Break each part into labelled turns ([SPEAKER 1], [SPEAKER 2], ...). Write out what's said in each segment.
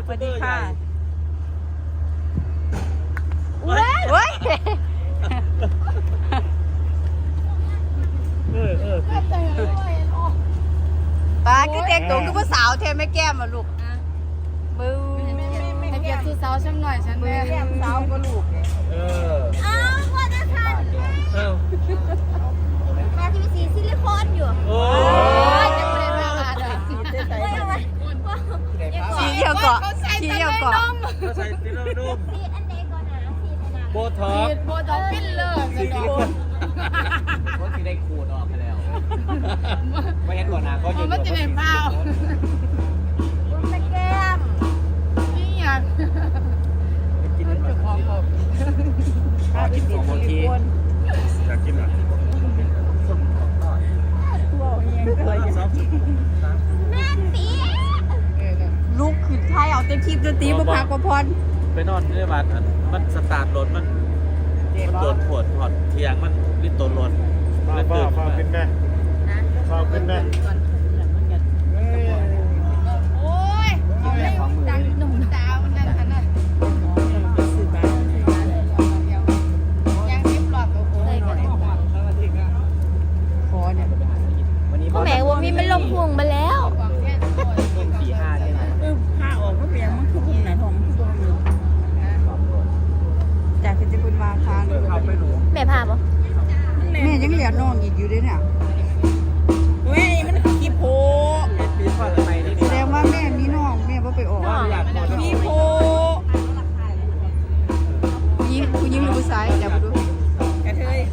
[SPEAKER 1] สวัสดีค่ะ
[SPEAKER 2] เว้ยปลาคือแต่งตัวคือผู้สาวเทไม่แก้มอ่ะลูกบูให้เกียรติสาวฉันหน่อยฉันแม่แก้มสาวก็ลูก
[SPEAKER 3] อ้าวว่าจะทันมาทีวีซิลิโคนอยู่
[SPEAKER 2] โอ้ยจะไม่ได้มาอะไรสีเขียวเกาะสีเขียวเกาะ
[SPEAKER 1] ใส่ติลนุ่ม
[SPEAKER 3] สีอันไหนก่อนนะสีขนาด
[SPEAKER 1] โบท็อก
[SPEAKER 2] โบท็อกฟิลเลอร์สีโคน
[SPEAKER 4] ก็ที่ได้ขูดออกไปแล้วไม่เห็นก่อนนะก็ยืน
[SPEAKER 2] มันจะเป็นเปล่า
[SPEAKER 3] บุ้มตะแก้ม
[SPEAKER 2] นี่อยาก
[SPEAKER 4] กินมันแบบกินของโมที
[SPEAKER 1] อยากกินอ่ะ
[SPEAKER 3] แม่ปี
[SPEAKER 2] ลูกขึ้นไทยเอาเต็มทีมดนตรีบุพากรพร
[SPEAKER 1] ไปนอนในบ้านมันสตาร์ทรถมันโดนปวดถอดเทียงมันลิ้นตัวรถ
[SPEAKER 5] ฟ้าขึ้นแม่ฟ้าขึ้นแม่
[SPEAKER 2] โอ้ยดังหนุ่มสาวนั่นขนาดยังเรียบร้อยโอ้โหพอเนี่ย
[SPEAKER 3] พ่อแม่ว่ามีมันลงพวงมาแล้ว
[SPEAKER 4] 4-5ใช่ไหม
[SPEAKER 2] ผ้าออกก็เปลี่ยนมันคือบุญไหนของจากที่จะบุญมาค้าง
[SPEAKER 3] แม่พาปะ
[SPEAKER 2] แม่ยังเหลือน้องอีกอยู่ด้วยเนี่ยแม่มันขี้โพแสดงว่าแม่มีน้องแม่บ่ไปออกขี้โพยิงคุณยิงหรือผู้ชายเดี๋ยวมาดูกระเทย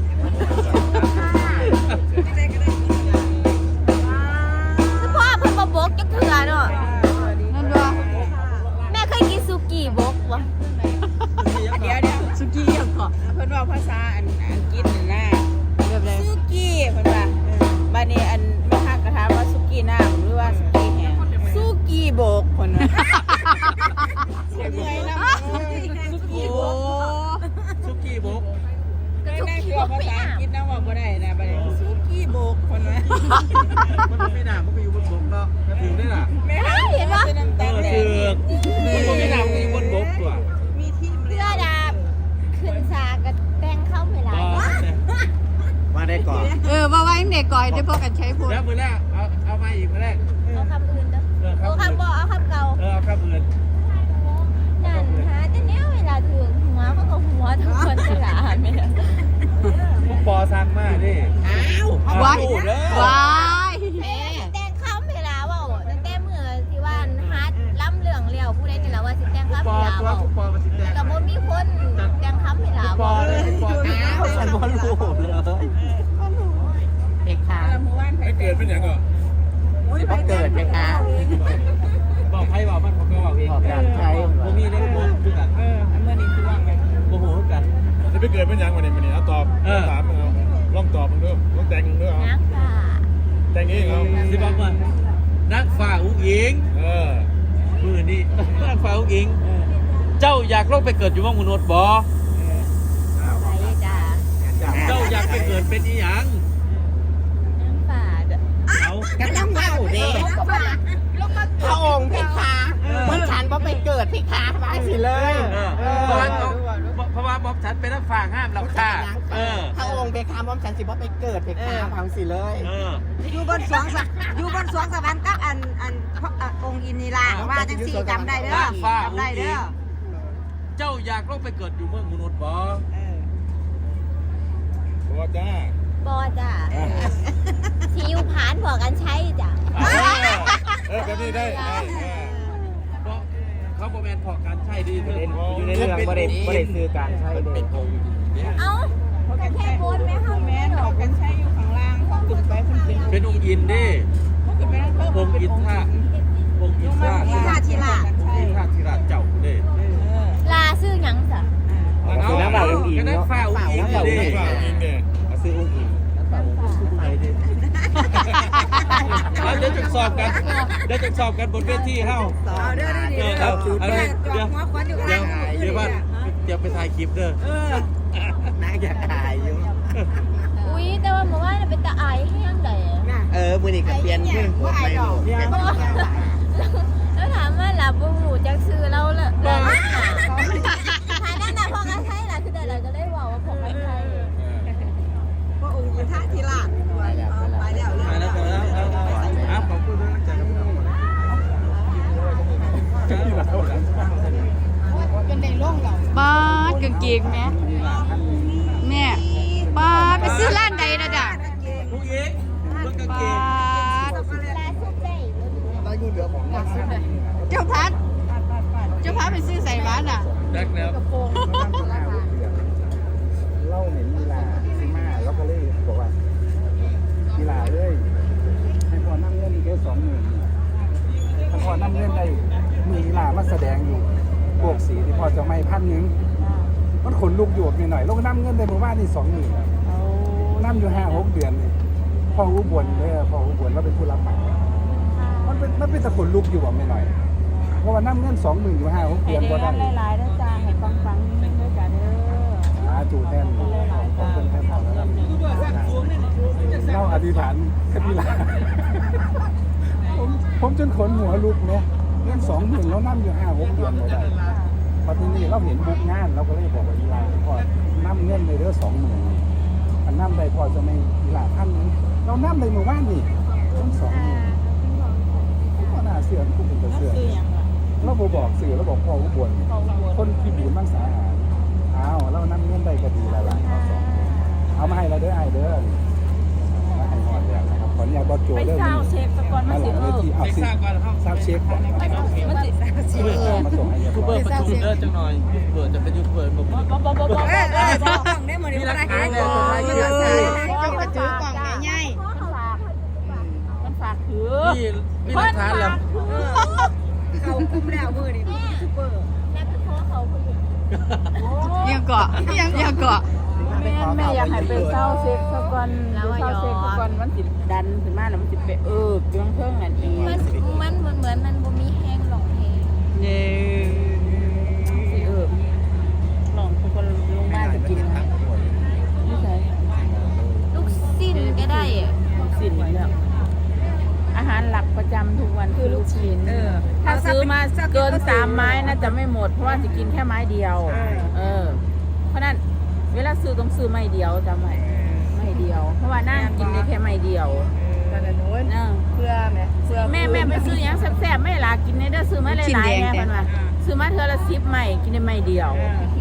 [SPEAKER 3] พ่อเพิ่งมาบกจักเถื่อเนาะ
[SPEAKER 2] นั่นว่า
[SPEAKER 3] แม่เคยกินซูกี้บกวะ
[SPEAKER 2] เดี๋ยวสุกี้ยังเกาะ
[SPEAKER 6] เพิ่นว่าภาษาอังกฤษน่ะ
[SPEAKER 2] แบบไร
[SPEAKER 6] สุกี้เพิ่นว่าบัดนี้อันแม่ค้ากระถามว่าสุกี้น้ำหรือว่าสุกี้แห้งสุกี้โบกเพิ่นว่าเสียงไงนำสุกี้โบก
[SPEAKER 1] ซุกี้บก
[SPEAKER 6] ได้คือภาษาอังกฤษนะว่าบ่ได้นะบัดนี้สุกี้โบกเพิ่นว่า
[SPEAKER 1] มันไม่หนามันก็อยู่บนบกเนาะถึงได้ล่ะ
[SPEAKER 6] แม่เห็นว่าน้ำตาลแดง
[SPEAKER 1] มันไม่หนามันก็อยู่บนบกตัว
[SPEAKER 6] มีที่
[SPEAKER 3] เสื้อดาบขึ้นซากับแป้งเข้าไม่ไร
[SPEAKER 4] มาได้ก่อน
[SPEAKER 2] ว่าไว้เด็กก่อยได้พอกันใช้พูด
[SPEAKER 1] แล้วมือแรกเอามาอีกมือแรก
[SPEAKER 3] เอาคำอื่นเด้อเอาคำบอกเอาคำเก่า
[SPEAKER 1] เอาคำอื่น
[SPEAKER 3] นั่นฮะแต่เนี้ยเวลาถึงหัวเขาก็หัวทุกคนฉลาดไม่ได้
[SPEAKER 1] พวกปอสั่งมาดิ
[SPEAKER 2] ว้ายว้าย
[SPEAKER 3] แต่งข้ามเวลาว่าตั้งแต่เมื่อที่ว่าฮัดล้ำเรื่องเลี้ยวผู้ใดจะเล่าว่าสิแต่งข้าม
[SPEAKER 1] ปอ
[SPEAKER 3] เวลา
[SPEAKER 1] ตัว
[SPEAKER 3] ว่า
[SPEAKER 1] พวกปอมาสิแตง
[SPEAKER 3] กับบ่มีคนแต่งข้ามเวลา
[SPEAKER 1] ปอ
[SPEAKER 3] ว่า
[SPEAKER 1] เลยปอฉันบอลลูกเลย
[SPEAKER 4] เพคา
[SPEAKER 6] ละหมู่บ้านไผ
[SPEAKER 1] ไม่เกิดเป็นอย่างก็
[SPEAKER 4] สิบ่เกิดเพคา
[SPEAKER 1] บอกใครบอกมันผมก็บอกเอง
[SPEAKER 4] บอกการใช้
[SPEAKER 1] ผมมีเล่นบอลคือกัน
[SPEAKER 6] อันเมื่อนี้คือว่าไง
[SPEAKER 1] โอ้โหกัน
[SPEAKER 5] จะไปเกิดเป็นยังวันนี้เอาตอบถามมึงเอาลองตอบมึงด้วยลองแต่งมึงด้วยเอา
[SPEAKER 3] นักป่า
[SPEAKER 5] แต่งเองเอา
[SPEAKER 1] สิบอกว่านักฝ่าอุ้งอิง มือนี่นักฝ่าอุ้งอิงเจ้าอยากลงไปเกิดอยู่ว่างมนุษย์บ่
[SPEAKER 3] อะไรจ้า
[SPEAKER 1] เจ้าอยากไปเกิดเป็นอีหยัง
[SPEAKER 3] นักป่า
[SPEAKER 1] เอา
[SPEAKER 4] กำลังเมาเด้พระองค์เพคามันฉันว่าไปเกิดเพคามาสิเลย
[SPEAKER 1] เพราะว่าบอกฉันเป็นนักฝ่าห้ามเราค่ะ
[SPEAKER 4] พระองค์เพคาว่าฉันสิว่าไปเกิดเพคาพังสิเลย
[SPEAKER 2] อยู่บนสวงสวรรค์กับองค์อินนีลาว่าจังสี่จำได้เด้อจำได้เด้อ
[SPEAKER 1] เจ้าอยากลงไปเกิดอยู่เมืองมนุษย์บ่
[SPEAKER 5] ตัวจ้า
[SPEAKER 3] บอจ้าซีอิ๊วผานบอกกันใช้จ้ะ
[SPEAKER 5] แบบนี้ได้
[SPEAKER 1] เพราะเขาบอกแมนพอการใช่ดี
[SPEAKER 4] อยู่ในเรื่องประเด็นคือการใช้เด็ก
[SPEAKER 3] เอ้าแค่โพสไหมคะ
[SPEAKER 6] แม่นออกกันใช้อยู่ข้างล่างเขาขึ้นไปเพิ่นเป็น
[SPEAKER 1] เป็นองค์อินดิองค์อินท่าองค์อินท่าธิราชเจ้าดิ
[SPEAKER 3] ลาซื้อหยังจ้ะ
[SPEAKER 4] คือน้ำเปล่าอุ้งอิง
[SPEAKER 1] ก็นัก
[SPEAKER 4] เนาะ
[SPEAKER 1] ฝ่าอุ้งอิงดิ
[SPEAKER 5] ฝ่าอิงเนี่ย
[SPEAKER 4] ซื้ออุ้งอิง
[SPEAKER 1] เดี๋ยวจะสอบกันบนเวทีเฮ้าเดี๋ยวบ้านเดี๋ยวไปถ่ายคลิปเด้อ
[SPEAKER 4] น่าอยากอายอยู่
[SPEAKER 3] อุ้ยแต่ว่าเมื่อวานเป็นตาอายให้ยังไง
[SPEAKER 4] มือนี่กับเปลี่ยนเพื่อนหัวไม่หนู
[SPEAKER 3] แล้วถามว่าหลับบูจักซื้อ
[SPEAKER 2] ป้ากางเกงแม่ป้าไปซื้อร้านใดนะจ๊ะ
[SPEAKER 1] ผู้หญิงเบิ่งกางเก
[SPEAKER 2] ป้าง เจ้าพัดไปซื้อใส่บ้านอ่ะ
[SPEAKER 1] ดักแล้ว
[SPEAKER 7] เล่าเห็นกีฬาซิมาแล้วก็เลยบอกว่ากีฬาเลยให้พอนั่งเงินแค่20,000ถ้าพอนั่งเงินได้มีกีฬามาแสดงอยู่พวกสีที่พอจะไม่1,000มันขนลุกอยู่หน่อยๆแล้วก็นั่งเงินได้หมู่บ้านนี่20,000นั่งอยู่5-6 เดือนนี่พ่ออุบลเลยพ่ออุบลเราเป็นผู้รับเหมามันเป็นตะขนลุกอยู่ไม่หน่อยเพราะว่านั่งเงิน20,000อยู่5-6 เดือนก็ได้
[SPEAKER 6] หลายๆนะจ๊ะให้ฟังๆนิดนึงด้วยจ้ะเด้อ
[SPEAKER 7] จูแทนของเป็นแทนของแล้วเล่าอธิษฐานคดีลาผมจนขนหัวลุกเนี่ยเงิน20,000แล้วนั่งอยู่5-6 เดือนไม่ได้พอทีนี้เราเห็นบุกงานเราก็เลยบอกว่าอีลาพอนั่งเงินในเรื่อง20,000อันนั่งได้พอจะไม่อีลาท่านนี้เรานั่งในหมู่บ้านนี่ต้อง20,000ก็น่าเสื่อมกูเป็นเสื่อมเราบอกสื่อเราบอกพ่ออุบลคนที่บูนมั่งสาหารอ้าวแล้วนั่งเงื่อนได้ก็ดีแล้วล่ะเอามาให้เราเด้อไอเด้อมาให้หอดแล้วนะครับขออนุญาตบอสโจ
[SPEAKER 6] ไป
[SPEAKER 7] เด้อ
[SPEAKER 6] เศร้าเช็คตะกอน
[SPEAKER 7] มา
[SPEAKER 6] มา
[SPEAKER 7] ห
[SPEAKER 6] สิ
[SPEAKER 7] ลังเวทีเอาสิทราบเช็คก่อน
[SPEAKER 6] มันสิ
[SPEAKER 7] มาส่งให้เรียบ
[SPEAKER 1] ยู
[SPEAKER 7] ร้
[SPEAKER 1] เบ
[SPEAKER 7] อ
[SPEAKER 1] อย ร์ประชุมเด้อจังหน่อยยูเบอร์จะเป็นยูเบอร์ผม
[SPEAKER 6] บ่
[SPEAKER 1] มีหลักฐานเลย
[SPEAKER 2] เจ้ากระจือกล่องใหญ่
[SPEAKER 6] มันฝากถือ
[SPEAKER 1] มีหลักฐานแล้ว
[SPEAKER 3] เขาคุ้มแล้วมือนี่ซุปเปอร์แล้วก็ขอเขาคนอื่น
[SPEAKER 2] ๆยังเกาะยังเกาะ
[SPEAKER 6] แม่อยากให้ไปเศร้าเช็คตะกอนเศร้าเช็คตะกอนมันสิดันขึ้นมาแล้วมันสิไปเพียงเพิ่งนั่นเอง
[SPEAKER 3] มันเหมือนมันบ่มีแห้งหลงแห้ง
[SPEAKER 2] เย้
[SPEAKER 6] สิลองทุกคนลงมาจะกินนะนี่ใช่
[SPEAKER 3] ลูกสิ้นก็ได้อะ
[SPEAKER 6] สินแล้วอาหารหลักประจำทุกวันคือลูกชิ้นถ้าซื้อมาเกิน3 ไม้น่าจะไม่หมดเพราะว่าจะกินแค่ไม้เดียวเพราะนั้นเวลาซื้อต้องซื้อไม้เดียวจำไว้ไม้เดียว เพราะว่านั่งกินได้แค่ไม้เดียวแม่ไปซื้อยังแซ่บๆไม่ล่ะกินได้เด้อซื้อมาหลายๆแม่เพิ่นว่าซื้อมาเทื่อละ10 ไม้กินได้ไม้เดียว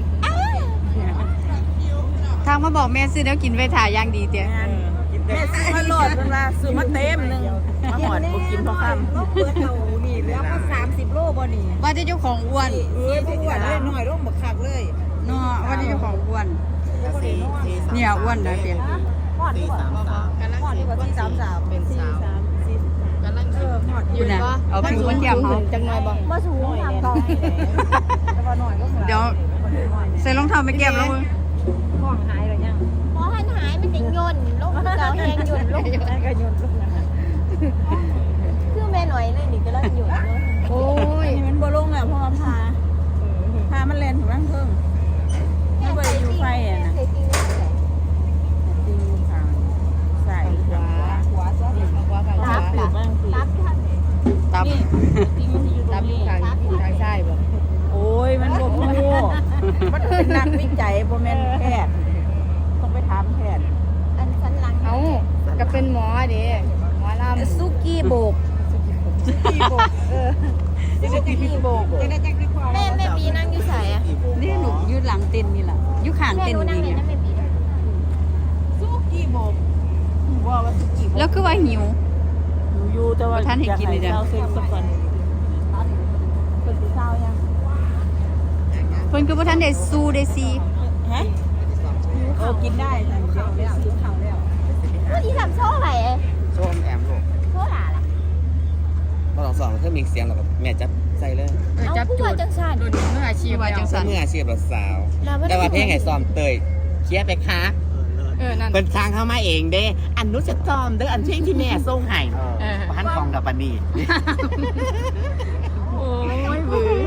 [SPEAKER 2] ทางมาบอกแม่ซื้อแล้วกินไว้ถ่ายอย่างดีเตี้ย
[SPEAKER 6] แม่ซื้อมาโหลดเพิ่นว่าซื้อมาเต็มนึงมาหอดบ่กินพอค่ำ
[SPEAKER 2] ว่าจะเจ้าของอ้วน
[SPEAKER 6] อ้วนเลยน้อยลงบักคักเลย
[SPEAKER 2] เนาะว่าจะเจ้าของอ้วนเนี่ยอ้วนนะเตี้ย
[SPEAKER 6] เป็นสาว
[SPEAKER 2] อยู่นะเอาผิวมันเทียมเขา
[SPEAKER 6] จังหน่อยบ่มาสูงหน่อยต่อแต่ว่าหน่อยก็
[SPEAKER 2] เดี๋ยวใส่รองเท้าไปเก็บแล้วมึง
[SPEAKER 6] ของหายแล้วยัง
[SPEAKER 3] พอหันหายมันจะย่นลงเก่าแห้งย่นลง
[SPEAKER 6] ก็โยนลูกนะ
[SPEAKER 3] คือแม่หน่อยเลยนี่ก็เริ่มย่นเลย
[SPEAKER 6] โอ้ยมันบ่ลงแล้วเพราะว่าพามันแล่นถึงร่างเพิ่งมันบ่ได้อยู่ไฟอ่ะนะ
[SPEAKER 3] ใส่จริงไม่ใส่
[SPEAKER 6] จริงทางใส่ขวาตับหรือบ้างสิ
[SPEAKER 3] ตับท่าน
[SPEAKER 2] ตับ
[SPEAKER 6] นี่จริงมันอยู่ตรงนี้ทางใช่บ่โอ้ยมันบ่พูมันเป็นนักวิจัยบ่แม่นแพทย์ต้องไปถามแพทย์
[SPEAKER 3] อันสันหลัง
[SPEAKER 2] เอาก็เป็นหมอเด้หมอลำ
[SPEAKER 6] ซุกี้โบกซุกี้โบก
[SPEAKER 3] แม่ปีนั่งอยู่ใส่อะ
[SPEAKER 2] นี่หนูยืดหลังเต้นนี่แหละยุขาง
[SPEAKER 3] แม่
[SPEAKER 2] เต้น
[SPEAKER 3] รู้นั่ง
[SPEAKER 2] นี่
[SPEAKER 3] นี่
[SPEAKER 2] เนี่ย
[SPEAKER 3] นั่นแม่ปีนะ
[SPEAKER 6] ซุกี้โบกว่าซุกี้โบก
[SPEAKER 2] แล้วคือว่าหิว
[SPEAKER 6] หนูอยู่แต่ว่า
[SPEAKER 2] ท่านให้กินเลยจ้ะ
[SPEAKER 6] เจ้าเซ็กสักคนเป็นสีเศร้ายัง
[SPEAKER 2] เพิ่นคือบ่ทันได้สู้ได้ซี
[SPEAKER 6] ฮะกินได้แต่เดี๋ยวไปซื้อข้าวแล้ว
[SPEAKER 3] ผู้ที่ทำโซ่อะไรเอ้ย
[SPEAKER 4] โชมแอมลูก
[SPEAKER 3] โซ่หล่ะล่ะ
[SPEAKER 4] มาลองสอนเพื่อมีเสียงหรอกแม่จับใส่เลย
[SPEAKER 3] เอาผู้ว่าจังสัน
[SPEAKER 2] มืออาชีพว่าจังซั่น
[SPEAKER 4] เมื่ออาชีพเราสาว แต่ว่าเพลงไห้ซ้อมเตยเคลียร์ไปคะ
[SPEAKER 2] นั่น
[SPEAKER 4] เป็นทางเข้ามาเองเด้อันนู้จะซ้อมเด้ออันเพลงที่แม่ส่งให้พันฟองกับปานี
[SPEAKER 2] โอ้ยบื้อ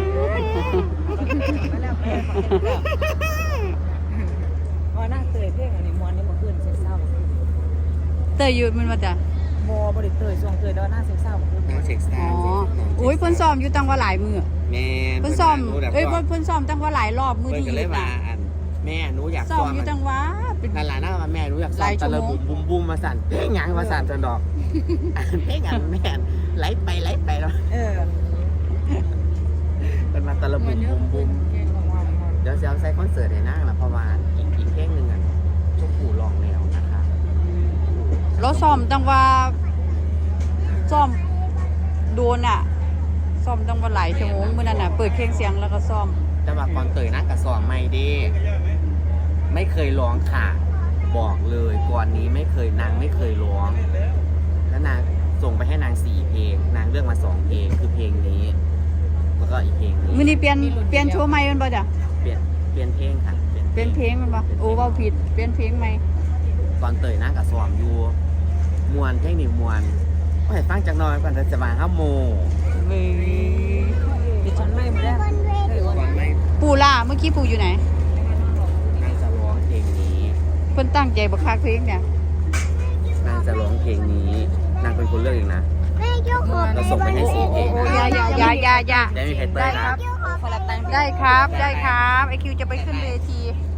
[SPEAKER 6] ว่านั่งเตยเพลงอันนี้มวนนี่มาขึ้นเซ็กเศร้า
[SPEAKER 2] เตยอยู่มันว่าจ้ะ
[SPEAKER 6] บ่ได้เตยส่งเตยแล้วนั่งเซ็กเศร้าขึ้น
[SPEAKER 4] น้องเช็คสตา
[SPEAKER 2] อ๋อ
[SPEAKER 4] ร์
[SPEAKER 2] อุ้ยเพิ่นซ้อมอยู่ตั้งว่าหลายมื้อ
[SPEAKER 4] แม่
[SPEAKER 2] เพิ่นซ้อมเอ้ยเพิ่นซ้อมตั้งว่าหลายรอบมื้อ
[SPEAKER 4] เพิ่น
[SPEAKER 2] ที่
[SPEAKER 4] ก็เลยว่า
[SPEAKER 2] นะ
[SPEAKER 4] อันแม่หนูอยาก
[SPEAKER 2] ซ้อ
[SPEAKER 4] ซ้
[SPEAKER 2] ม
[SPEAKER 4] อม
[SPEAKER 2] อยู่ตั้งว่าเป็น
[SPEAKER 4] นั่นล่ะนะว่าแม่หนูอยากซ้อ
[SPEAKER 2] หลาม ยชั่
[SPEAKER 4] ตะ
[SPEAKER 2] วโม
[SPEAKER 4] ละ
[SPEAKER 2] ง
[SPEAKER 4] บุมมาสั่นเพลงหยังมาสั่นจนดอกเพลงอันแม่ไหลไปแล้ว
[SPEAKER 6] เออ
[SPEAKER 4] แต่บุ้มบุ้มบุ้มเดี๋ยวจะเอาใส่คอนเสิร์ตให้นั่งละเพราะว่าอีกเพลงหนึ่งอ่ะชมพู่ร้องแล้วนะคะ
[SPEAKER 2] เราซ้อมตั้งว่าซ้อมโดนอ่ะซ้อมตั้งว่าหลายชั่วโมงมื้อนั้นน่ะเปิดเพลงเสียงแล้วก็ซ้อม
[SPEAKER 4] แต่ว่าก่อนเตยนั่งกับสอนไม่ดีไม่เคยร้องค่ะบอกเลยก่อนนี้ไม่เคยนางไม่เคยร้องแล้วนางส่งไปให้นาง4 เพลงนางเลือกมา2 เพลงคือเพลงนี้แล้วก็อีกเพลงนี้
[SPEAKER 2] มื้อนี้เปลี่ยนโชว์ใหม่แม่นบ่จ้ะ
[SPEAKER 4] เปลี่ยนเพลงค่ะ
[SPEAKER 2] เปลี่ยนเพลงแม่นบ่โอ้เว้าผิดเปลี่ยนเพลงใหม่
[SPEAKER 4] ก่อนเตยนั่งกับสอนอยู่มวนเพลงนี้มวนก็ให้ฟังจากหน้อยก่อนจะมาห้าโมง
[SPEAKER 2] เว้ย
[SPEAKER 6] ดิฉันไม่ได้
[SPEAKER 4] ก่อนไม่
[SPEAKER 2] ปู่ล่ะเมื่อกี้ปู่อยู่ไหน
[SPEAKER 4] นางจะร้องเพลงนี้
[SPEAKER 2] เพิ่นตั้งใจบักคักเพลงเนี่ย
[SPEAKER 4] นางจะร้องเพลงนี้นางเป็นคนเลือกเองนะเราส่งไปให้4 เพลงนะ
[SPEAKER 2] อย่า
[SPEAKER 4] ได้มีเพชรเต้ยนะ
[SPEAKER 2] ได้ครับได้ครับไอคิวจะไปขึ้นเวที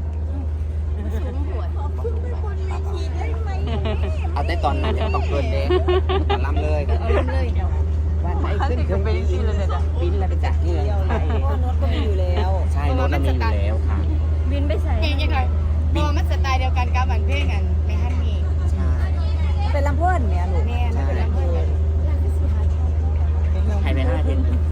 [SPEAKER 4] เอาแต่ตอนนั้นยังต้องเกินเด้ตอนล่ำเลยว่าไปขึ้นเครื่องบินบินแล้วไปจากเมืองไทย
[SPEAKER 6] รถก็มีอยู่แล้ว
[SPEAKER 4] ใช่รถเรามีอยู่แล้วค่ะ
[SPEAKER 3] บินไปใส่
[SPEAKER 2] ยังไงพอมันสไตล์เดียวกันกับบันเพลงกันไม่ฮั่นมี
[SPEAKER 4] ใช่
[SPEAKER 6] เป็นลำเพื่อนเนี่ยลูก
[SPEAKER 2] แม่นะเป็นลำเพลิน
[SPEAKER 4] ให้ไป5 เพลง